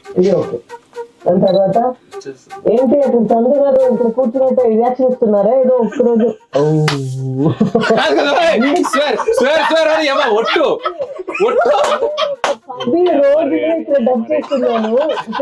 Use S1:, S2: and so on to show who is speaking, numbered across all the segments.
S1: ఇది ఓకే. దాని తర్వాత ఏంటి అతను చంద్ర గారు ఇప్పుడు కూర్చున్నట్టు రియాక్షన్ ఇస్తున్నారా ఏదో ఒక్కరోజు అది రోజు ఇక్కడ డబ్ చేస్తున్నాను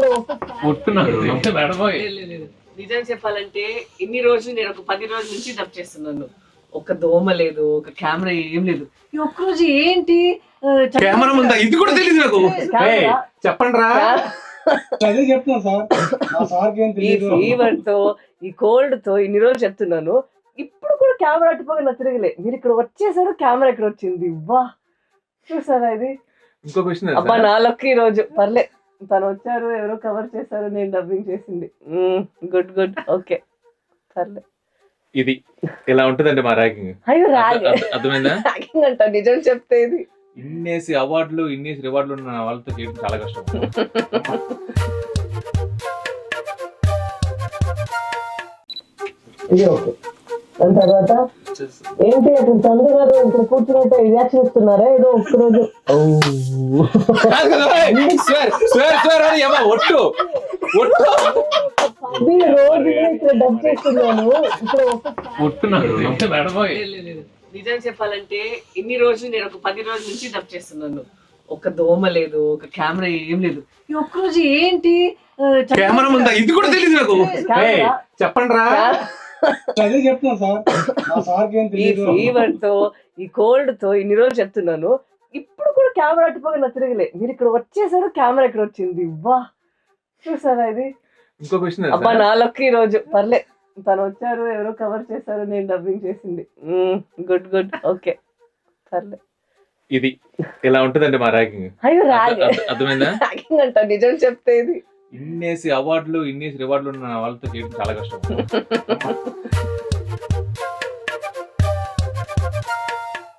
S1: ఇప్పుడు
S2: నిజం చెప్పాలంటే ఇన్ని రోజులు నేను ఒక 10 రోజుల నుంచి డబ్ చేస్తున్నాను. ఒక దోమ లేదు, ఒక కెమెరా ఏం లేదు. ఈ ఒక్కరోజు ఏంటి
S3: కెమెరా ఉందా ఇది కూడా తెలియదు నాకు. చెప్పండి రా,
S4: అదే చెప్తాను సార్. మా సార్కి ఏం
S2: ఈ
S4: తెలియదు.
S2: ఫీవర్ తో ఈ కోల్డ్ తో ఇన్ని రోజులు చెప్తున్నాను. ఇప్పుడు కూడా కెమెరా అట్టుపోగా నా తిరగలే. మీరు ఇక్కడ వచ్చేసారు, కెమెరా ఇక్కడ వచ్చింది. వా చూసారా ఇది?
S3: ఇంకో క్వశ్చన్
S2: అబ్బా నా లక్ ఈ రోజు పర్లే. తను వచ్చారు, ఎవరో కవర్ చేశారు, నేను డబ్బింగ్ చేసింది. గుడ్ గుడ్ ఓకే పర్లే.
S3: ఇది ఇలా ఉంటదండి మా ర్యాగింగ్.
S2: అయ్యో రాగ్
S3: అర్థమైందా?
S2: ర్యాగింగ్ అంట నిజం చెప్తే ఇది.
S3: ఇన్నేసి అవార్డులు ఇన్నేసి రివార్డులు ఉన్న వాళ్ళతో చేయడం చాలా కష్టం.
S1: ఇది ఓకే. దాని తర్వాత ఏంటి అతను చంద్ర గారు ఇప్పుడు కూర్చున్నట్టు రియాక్షన్ ఇస్తున్నారా ఏదో ఒక్కరోజు అది రోజు ఇక్కడ డబ్ చేస్తున్నాను ఇప్పుడు
S2: నిజం చెప్పాలంటే ఇన్ని రోజులు నేను ఒక 10 రోజుల నుంచి డబ్ చేస్తున్నాను. ఒక దోమ లేదు, ఒక కెమెరా ఏం లేదు. ఈ ఒక్కరోజు ఏంటి
S3: కెమెరా ఉందా ఇది కూడా తెలియదు నాకు. చెప్పండి రా,
S4: అదే చెప్తాను సార్. మా సార్కి ఏం
S2: ఈ
S4: తెలియదు.
S2: ఫీవర్ తో ఈ కోల్డ్ తో ఇన్ని రోజులు చెప్తున్నాను. ఇప్పుడు కూడా కెమెరా అట్టుపోగా నా తిరగలే. మీరు ఇక్కడ వచ్చేసారు, కెమెరా ఇక్కడ వచ్చింది. వా చూసారా ఇది?
S3: ఇంకో క్వశ్చన్
S2: అబ్బా నా లక్ ఈ రోజు పర్లే. తను వచ్చారు, ఎవరో కవర్ చేశారు, నేను డబ్బింగ్ చేసింది. గుడ్ గుడ్ ఓకే పర్లే.
S3: ఇది ఇలా ఉంటదండి మా ర్యాగింగ్.
S2: అయ్యో రాగ్
S3: అర్థమైందా?
S2: ర్యాగింగ్ అంట నిజం చెప్తే ఇది.
S3: ఇన్నేసి అవార్డులు ఇన్నేసి రివార్డులు ఉన్న వాళ్ళతో చేయడం చాలా కష్టం.